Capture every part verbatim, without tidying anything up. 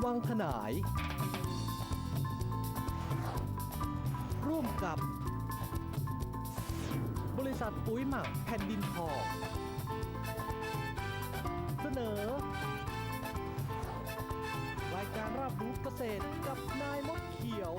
วังขนายร่วมกับบริษัทปุ๋ยหมักแผ่นดินทองเสนอรายการรับรู้เกษตรกับนายมดเขียว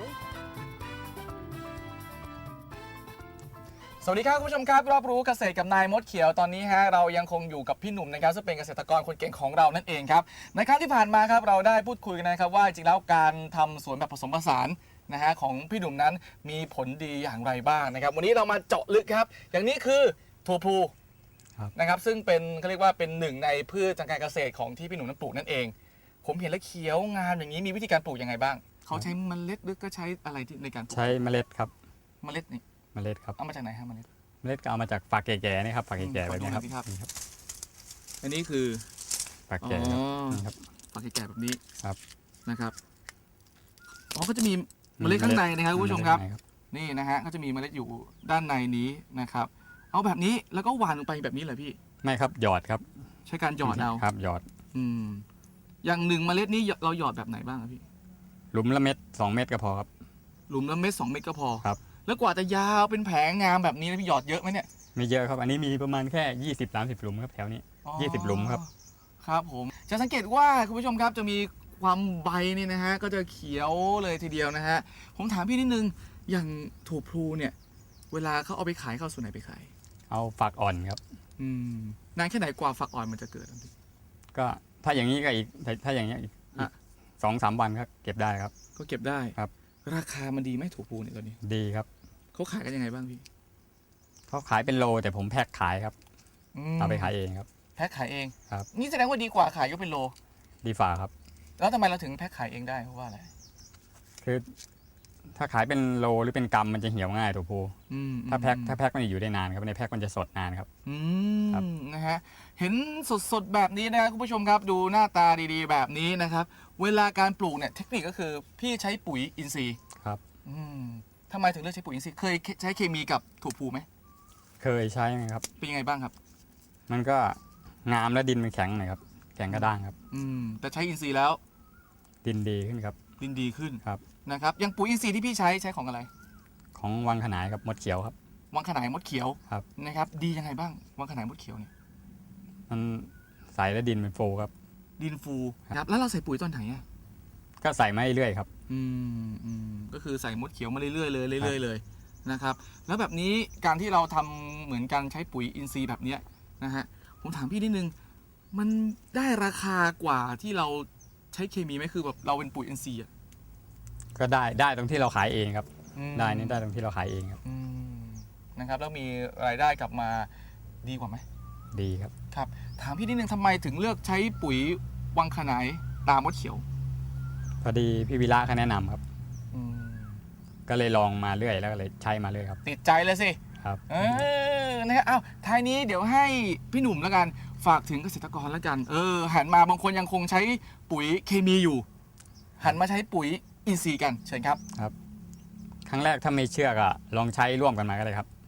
สวัสดีครับคุณผู้ชมครับรอบรู้เกษตรกับนายมดเขียวตอนนี้ฮะเรายังคงอยู่กับพี่หนุ่มนะครับซึ่งเป็นเกษตรกรคนเก่งของเรานั่นเองครับในครั้งที่ผ่านมาครับเราได้พูดคุยกันนะครับว่าจริงแล้วการทำสวนแบบผสมผสานนะฮะของพี่หนุ่มนั้นมีผลดีอย่างไรบ้างนะครับวันนี้เรามาเจาะลึกครับอย่างนี้คือถั่วพลูนะครับซึ่งเป็นเขาเรียกว่าเป็นหนึ่งในพืชทางการเกษตรของที่พี่หนุ่มนั้นปลูกนั่นเองผมเห็นแล้วเขียวงามอย่างนี้มีวิธีการปลูกยังไงบ้างเขาใช้เมล็ดหรือก็ใช้อะไรที่ในการปลูกใช้เมล็ดครับเมล็ดนี่เมล็ดครับเอามาจากไหนฮะเมล็ดเมล็ดก็เอามาจากฝักแก่ๆนี่ครับฝักแก่ๆแบบนี้ครับอันนี้คือฝักแก่ครับฝักแก่แบบนี้ครับนะครับอ๋อก็จะมีเมล็ดข้างในนะครับคุณผู้ชมครับนี่นะฮะก็จะมีเมล็ดอยู่ด้านในนี้นะครับเอาแบบนี้แล้วก็หว่านลงไปแบบนี้เลยพี่ไม่ครับหยอดครับใช้การหยอดเอาครับหยอดอืมอย่างหนึ่งเมล็ดนี้เราหยอดแบบไหนบ้างครับพี่หลุมละเม็ดสองเม็ดก็พอครับหลุมละเม็ดสองเม็ดก็พอครับแล้วกว่าจะยาวเป็นแผงงามแบบนี้นะพี่หยอดเยอะไหมเนี่ยไม่เยอะครับอันนี้มีประมาณแค่ยี่สิบ สามสิบหลุมครับแถวนี้ยี่สิบหลุมครับครับผมจะสังเกตว่าคุณผู้ชมครับจะมีความใบนี่นะฮะก็จะเขียวเลยทีเดียวนะฮะผมถามพี่นิดนึงอย่างถั่วพลูเนี่ยเวลาเขาเอาไปขายเข้าส่วนไหนไปขายเอาฝักอ่อนครับอืมนานแค่ไหนกว่าฝักอ่อนมันจะเกิดก็ถ้าอย่างนี้ก็อีกถ้าอย่างนี้อีกสองสามวันครับเก็บได้ครับก็เก็บได้ครับราคามันดีไหมถั่วพลูเนี่ยตอนนี้ดีครับเขาขายกันยังไงบ้างพี่เขาขายเป็นโลแต่ผมแพ็คขายครับเอาไปขายเองครับแพ็คขายเองครับนี่แสดงว่าดีกว่าขายยกเป็นโลดีฝ่าครับแล้วทำไมเราถึงแพ็คขายเองได้เพราะว่าอะไรคือถ้าขายเป็นโลหรือเป็นกรัมมันจะเหี่ยวง่ายถั่วพลูถ้าแพ็คถ้าแพ็คมันจะอยู่ได้นานครับในแพ็คมันจะสดนานครับอืมนะฮะเห็นสดๆแบบนี้นะครับคุณผู้ชมครับดูหน้าตาดีๆแบบนี้นะครับเวลาการปลูกเนี่ยเทคนิคก็คือพี่ใช้ปุ๋ยอินทรีย์ครับอืมทำไมถึงเลือกใช้ปุ๋ยอินทรีย์เคยใช้เคมีกับถั่วพลูไหมเคยใช้ครับเป็นยังไงบ้างครับมันก็งามและดินมันแข็งหน่อยครับแข็งกระด้างครับอืมแต่ใช้อินทรีย์แล้วดินดีขึ้นครับดินดีขึ้นครับนะครับอย่างปุ๋ยอินทรีย์ที่พี่ใช้ใช้ของอะไรของวังขนายครับมดเขียวครับวังขนายมดเขียวครับนะครับดียังไงบ้างวังขนายมดเขียวเนี่ยมันใส่แล้วดินเป็นฟูครับดินฟูครับแล้วเราใส่ปุ๋ยตอนไหนอ่ะก็ใส่มาเรื่อยๆครับอืมอืมก็คือใส่มดเขียวมาเรื่อยๆเลยเรื่อยๆเลยนะครับแล้วแบบนี้การที่เราทำเหมือนกันใช้ปุ๋ยอินทรีย์แบบเนี้ยนะฮะผมถามพี่นิดนึงมันได้ราคากว่าที่เราใช้เคมีไหมคือแบบเราเป็นปุ๋ยอินทรีย์ก็ได้ได้ตรงที่เราขายเองครับได้นี่ได้ตรงที่เราขายเองครับนะครับแล้วมีรายได้กลับมาดีกว่าไหมดีครับครับถามพี่นิดนึงทำไมถึงเลือกใช้ปุ๋ยวังขนายตามดเขียวพอดีพี่วิระเขาแนะนำครับก็เลยลองมาเรื่อยแล้วก็เลยใช้มาเรื่อยครับติดใจเลยสิครับเออนะครับอ้าวท้ายนี้เดี๋ยวให้พี่หนุ่มแล้วกันฝากถึงเกษตรกรแล้วกันเออหันมาบางคนยังคงใช้ปุ๋ยเคมีอยู่หันมาใช้ปุ๋ยอินทรีย์กันเชิญครับครับครั้งแรกถ้าไม่เชื่อก็ลองใช้ร่วมกันมาก็ได้ครับ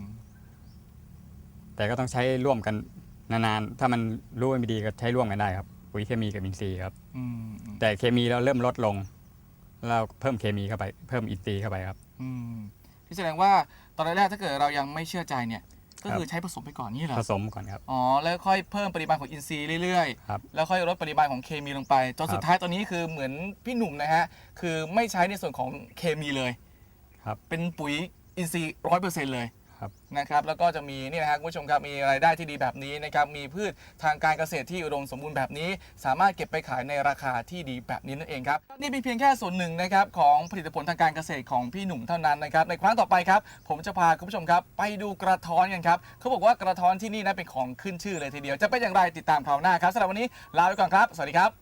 แต่ก็ต้องใช้ร่วมกันนานๆถ้ามันรู้ไม่ดีก็ใช้ร่วมกันได้ครับปุ๋ยเคมีกับอินทรีย์ครับแต่เคมีเราเริ่มลดลงเราเพิ่มเคมีเข้าไปเพิ่มอินทรีย์เข้าไปครับที่แสดงว่าตอนแรกถ้าเกิดเรายังไม่เชื่อใจเนี่ยก็คือใช้ผสมไปก่อนนี่เหรอผสมก่อนครับอ๋อแล้วค่อยเพิ่มปริมาณของอินทรีย์เรื่อยๆแล้วค่อยลดปริมาณของเคมีลงไปจนสุดท้ายตอนนี้คือเหมือนพี่หนุ่มนะฮะคือไม่ใช้ในส่วนของเคมีเลยครับเป็นปุ๋ยอินทรีย์ร้อยเปอร์เซ็นต์เลยนะครับแล้วก็จะมีนี่นะครับคุณผู้ชมครับมีรายได้ที่ดีแบบนี้นะครับมีพืชทางการเกษตรที่อุดมสมบูรณ์แบบนี้สามารถเก็บไปขายในราคาที่ดีแบบนี้นั่นเองครับนี่เป็นเพียงแค่ส่วนหนึ่งนะครับของผลิตผลทางการเกษตรของพี่หนุ่มเท่านั้นนะครับในครั้งต่อไปครับผมจะพาคุณผู้ชมครับไปดูกระท้อนกันครับเขาบอกว่ากระท้อนที่นี่นะเป็นของขึ้นชื่อเลยทีเดียวจะเป็นอย่างไรติดตามคราวหน้าครับสำหรับวันนี้ลาไปก่อนครับสวัสดีครับ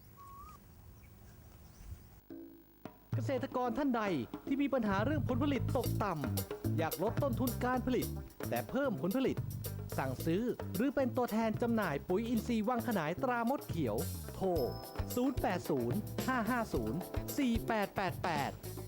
เกษตรกรท่านใดที่มีปัญหาเรื่องผลผลิตตกต่ำอยากลดต้นทุนการผลิตแต่เพิ่มผลผลิตสั่งซื้อหรือเป็นตัวแทนจำหน่ายปุ๋ยอินทรีย์วังขนายตรามดเขียวโทรศูนย์ แปด ศูนย์ ห้า ห้า ศูนย์ สี่ แปด แปด แปด